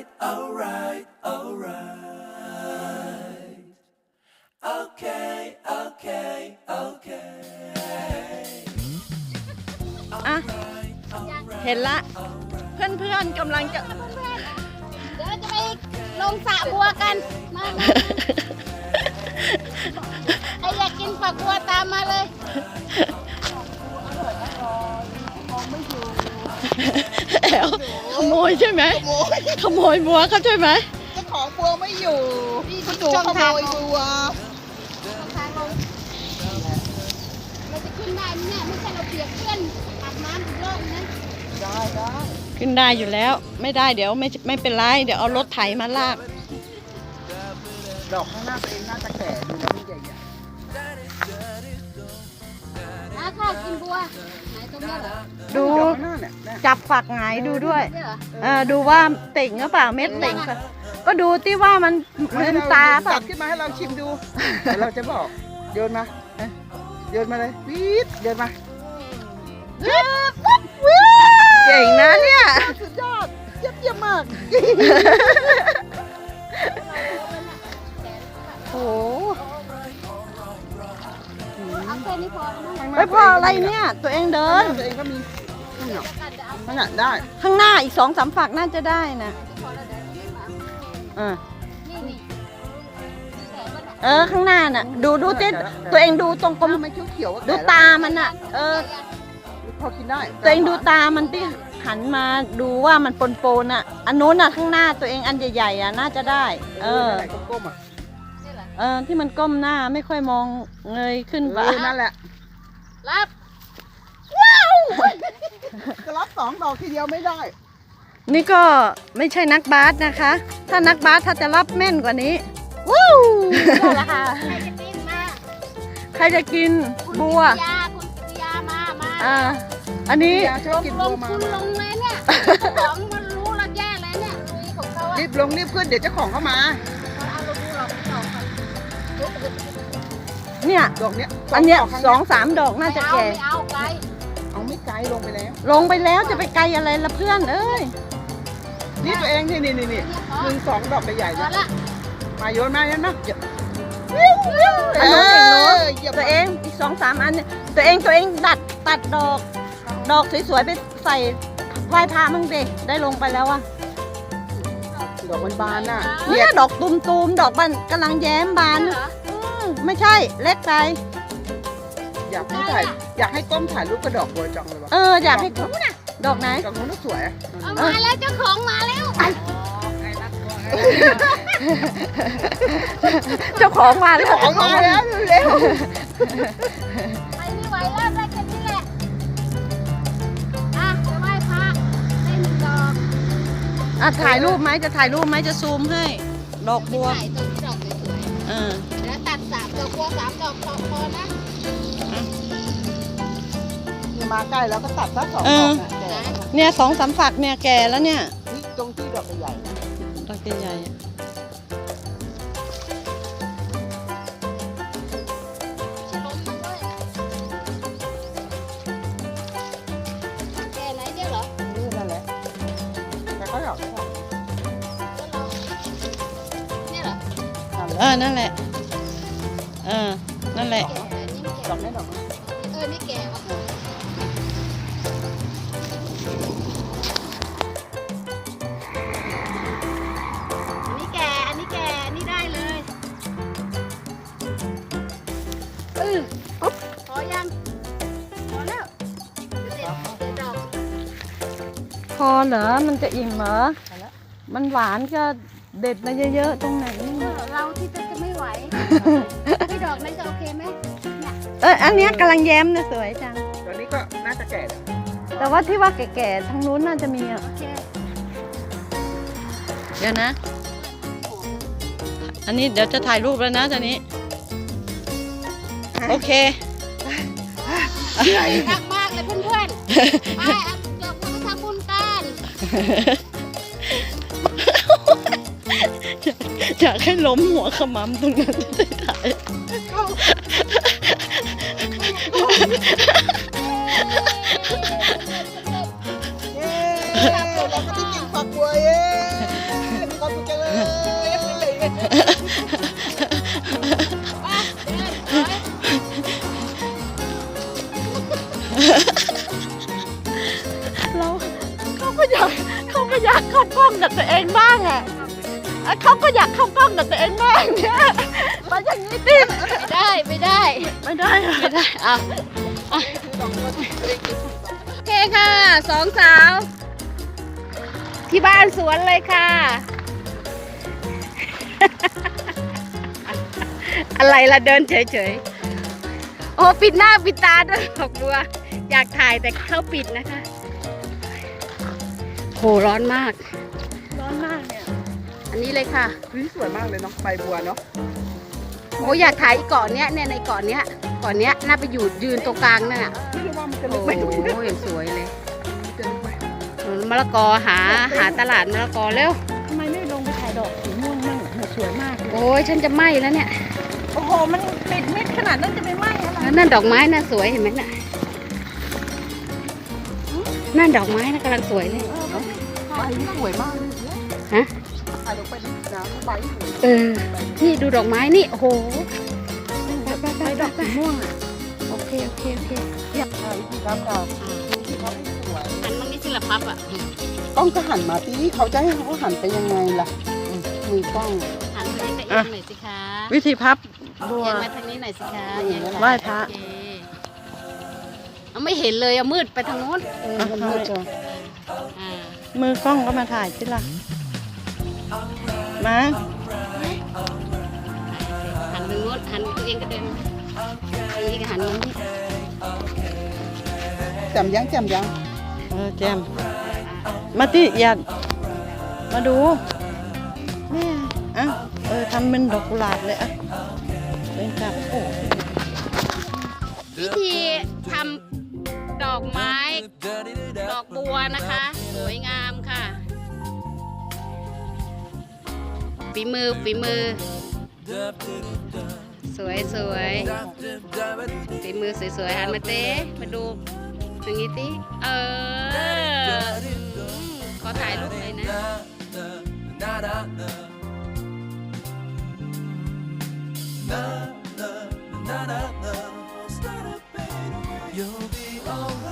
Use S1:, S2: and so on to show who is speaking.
S1: alright, alright, alright. Okay, okay, okay.
S2: อ่ะเห็นละเพื่อนๆกำลังจะ
S3: เดี๋ยวจะไปลงสระบัวกันมาใครอยากกินฝักบัวตามมาเลย
S2: แอลขโมยใช่ไหมขโมยบัวเขาใช่ไหม
S4: เจ้าของบัวไม่อยู่คุณหนูขโมยบัว
S3: ทางลงเราจะขึ้นได้ไหมเนี่ยไม่ใช่เราเปียกเพื่อนอาบน้ำอีกรอบนะ
S4: ได้
S2: ขึ้นได้อยู่แล้วไม่ได้เดี๋ยวไม่เป็นไรเดี๋ยวเอารถไถมาลาก
S4: ดอกข้างหน้าตัวเองน่าจะแก่ดูแล้วมันใหญ่
S3: น้าข้ากินบัวไหนตรงนี้เหรอ
S4: ๆ
S2: ดู
S4: ดอกข้างหน้าเนี่ยนะ
S2: จับฝักหงายดูด้วย
S3: นี่เหรอ
S2: ดูว่าติ่งหรือเปล่าเม็ดติ่งป่ะก็ดูที่ว่ามันลืมตา
S4: ตั
S2: ป่ะ
S4: ดขึ้นมาให้เราชิมดูเดี๋ยวเราจะบอกโยนมาโยนมาเลยวีดโยนมา
S2: เก่งนะเนี่ย
S4: สุดยอดเยี่ยมมาก
S2: โอ้
S3: เอาแค่นี้พอแล้วมั้ง
S2: ไม่พออะไรเนี่ยตัวเองเดิน
S4: ตัวเองก็มีนี่เนาะ
S3: กันจะเอา
S4: นั่นน่ะได้
S2: ข้างหน้าอีก2-3ฝักน่าจะได้นะ
S3: พอแล้วเดี๋ยวนี้มา
S2: อ่า
S3: นี่แต่ว่าน่ะ
S2: ข้างหน้าน่ะดูที่ตัวเองดูตรงกลม
S4: ไม่เขียวๆ
S2: ดูตามันน่ะ
S4: พอกินได้
S2: ตัวเองดูตามันที่หันมาดูว่ามันปนๆอ่ะอันนู้นน่ะข้างหน้าตัวเองอันใหญ่ๆอ่ะน่าจะได้
S4: อะไรก้มๆอ่ะ
S3: นี่เหรอ
S2: ที่มันก้มหน้าไม่ค่อยมองเงยขึ้นไป
S4: นั่นแหละ
S3: รับ
S4: จะรับ2 ดอกทีเดียวไม่ได้
S2: นี่ก็ไม่ใช่นักบาสนะคะ ถ้านักบาสถ้าจะรับแม่นกว่านี้วู้นี่แหละค่ะ
S3: ใครจะกินมา
S2: ใครจะกินบัว
S3: คุณปิยามา
S2: อันนี้
S4: ยาชอบกิน
S3: ล
S4: บัว
S3: ง
S4: มา
S3: คุณลงเลยเนี่ยของมันรู้แล้วแย่เลยเนี่ยลุยของเขาอะ
S4: รีบลงรีบขึ้นเดี๋ยวเจ้าของเข้ามา
S3: เอาเราดูหรอกดอกก่อน
S2: เนี่ย
S4: ดอกเนี้ย
S2: อันเนี้ย
S4: ดกข้าง
S2: 2-3 ดอกน่าจะแก่
S3: ไม่เอาไกล
S4: เอาไม่ไกลลงไปแล้ว
S2: ลงไปแล้วจะไปไกลอะไรละเพื่อนเอ้ย
S4: นี่ตัวเองนี่1-2 ดอกใหญ่ๆ
S3: พอ
S4: นะ
S3: ละ
S4: มาโยนมาเนี่ยนะอย่า
S2: อันนู้นอีกเนอะ
S4: เหยียบ
S2: ตัวเองอีก2-3 อันเนี่ยตัวเองตัดดอกสวยๆไปใส่ไหว้พระมั่งดิได้ลงไปแล้วอะ
S4: ดอกมันบานน่ะ
S2: เนี่ยดอกตูมๆดอกมันกำลังแย้มบาน
S3: เหรอ
S2: ไม่ใช่เล็กไป
S4: อยากให้ก้มถ่ายรูปกระดอกบัวจองเลยวะ
S2: อยากให้ดอกไหน
S4: ดอกนู้นน่ะสวยอะ
S3: เอามาแล้วเจ้าของมาแล้ว
S2: เจ้าของมาแล้ว
S4: ของมาแล้วเร็ว
S3: ไปไม่ไหวแล้วได้แค่นี้แหละอ่ะไปไหว้พระได้1 ดอก
S2: ถ่ายรูปไหมจะถ่ายรูปไหมจะซูมให้ ดอกบัว
S3: ใส่ตรงที่ดอกสวยๆแล้วตัด3 ดอกบัว3 ดอกพอนะ
S4: นี่มาใกล้แล้วก็ตัดสัก2 ดอกนะแก่
S2: เนี่ย2-3 ฝักเนี่ยแก่แล้วเนี่ย
S4: นี่ตรงที่ดอกใหญ่ๆนะ
S2: ดอกใหญ่ๆอะ
S3: ชิล้มมันด้วยแก่ไหนเดี๋ยวเหรอ
S4: นี่นั่นแหละแต่เขาดอก
S3: แล้วเราเนี่ยเหรอ
S2: นั่นแหละนั่นแหละ
S3: แก่อันนี้ไม่แก่
S4: ดอกนี้ดอกนี้
S3: นี่แก่ว่ะอันนี้แก่ อันนี้ได้เลยพอยัง พอแล้วเดี๋ยวดอก
S2: พอเหรอมันจะอิ่มเหรอมันหวานก็เด็ดมาเยอะๆตรงไหน
S3: เราที่จะไม่ไหว ไม่ดอกนั้นจะโอเคไหมเนี่ย
S2: อันเนี้ยกำลังแย้มนะสวยจัง
S4: ตอนนี้ก็น่าจะแก่แล้ว
S2: แต่ว่าที่ว่าแก่ๆทางนู้นน่าจะมีอ่ะ
S3: โอเค
S2: เดี๋ยวนะ อันนี้เดี๋ยวจะถ่ายรูปแล้วนะตอนนี้ โอเค
S3: รักมากเลยเพื่อนๆไปเดี๋ยวคุณไปทำบุญกัน
S2: อยากให้ล้มหัวขมำตรงนั้นจะได้ถ่าย
S4: เย้เราก็ได้กินฝักบัวเย้
S2: เราเขาก็อยากเข้ากล้องกับตัวเองบ้างอ่ะเขาก็อยากเข้ากล้องกับตัวเองบ้างเนี่ยมาอย่างนี้ดิ
S3: ไม่ได้
S2: ไม่ได้อะ
S3: ไม่ได้อ่ะโอเคค่ะสองสาว ที่บ้านสวนเลยค่ะ อะไรล่ะเดินเฉยๆ โอ้ปิดหน้าปิดตาด้วยดอกบัว อยากถ่ายแต่เขาปิดนะคะโหร้อนมาก
S2: ร้อนมากเนี่ย
S3: อันนี้เลยค่ะ
S4: นี่สวยมากเลยเนาะใบบัวเนาะ
S3: โอ้อยากถ่ายอีกเกาะเนี้ยเนี่ยในเกาะเนี้ยน่าไปอยู่ยืนตรงกลางนั่นน่ะ
S4: ไม่รู้ว่ามันจะ
S3: โอ้
S4: ลึกไป
S3: โหอย่างสวยเลย
S4: จะลึกไป
S3: มะละกอหาตลาดมะละกอเร็ว
S2: ทำไมไม่ลงไปถ่ายดอกสีม่วงมั่งเนี่ยสวยมากเลย
S3: โอ้ยฉันจะไหม้แล้วเนี่ย
S2: โอ้โหมันปิดมิดขนาดนั้นจะไปไหม้อะไร
S3: แล้วนั่นดอกไม้น่ะสวยเห็นไหมน่ะนั่นดอกไม้น่ะกำลังสวยเลย
S4: เนาะใบนี่สวยมากเลย
S3: ฮะ
S4: ถ่ายลงไปนี่นะใบสวย
S3: เออนี่ดูดอกไม้นี่โอ้โห
S2: ไปดอกสีม่วงอ่ะ
S3: โอเค
S4: ถ่ายวิธีครับค่ะที่เขาไม่สวย
S3: หันมันนี่สิละพับอ่ะ
S4: กล้องก็หันมาที่เขาจะให้เขาหันไปยังไงล่ะมือกล้อง
S3: หันไปให้ตัวเองหน่อยสิคะ
S2: วิธีพับบัว
S3: เอียงมาทางนี้หน่อยสิคะเอียง
S2: ไหว้พระ
S3: โอเคเอาไม่เห็นเลยเอามืดไปทางโน้น
S4: มันมืดจัง
S3: อ่า
S2: มือกล้องก็มาถ่ายสิล่ะมา
S3: หันไปโน้นหันตัวเองก็เดินอันนี้ก็หันมานี่
S4: จำยัง
S2: แจมมาที่อย่ามาดูแม่อ่ะทำเป็นดอกกุหลาบเลยอ่ะเป็นจับโอ้
S3: วิธีทำดอกไม้ ดอกบัวนะคะ สวยงามค่ะฝีมือ สวยฝีมือสวยๆหันมาเต้มาดูตรงนี้ติขอถ่ายรูปหน่อยนะ
S1: You'll be alright.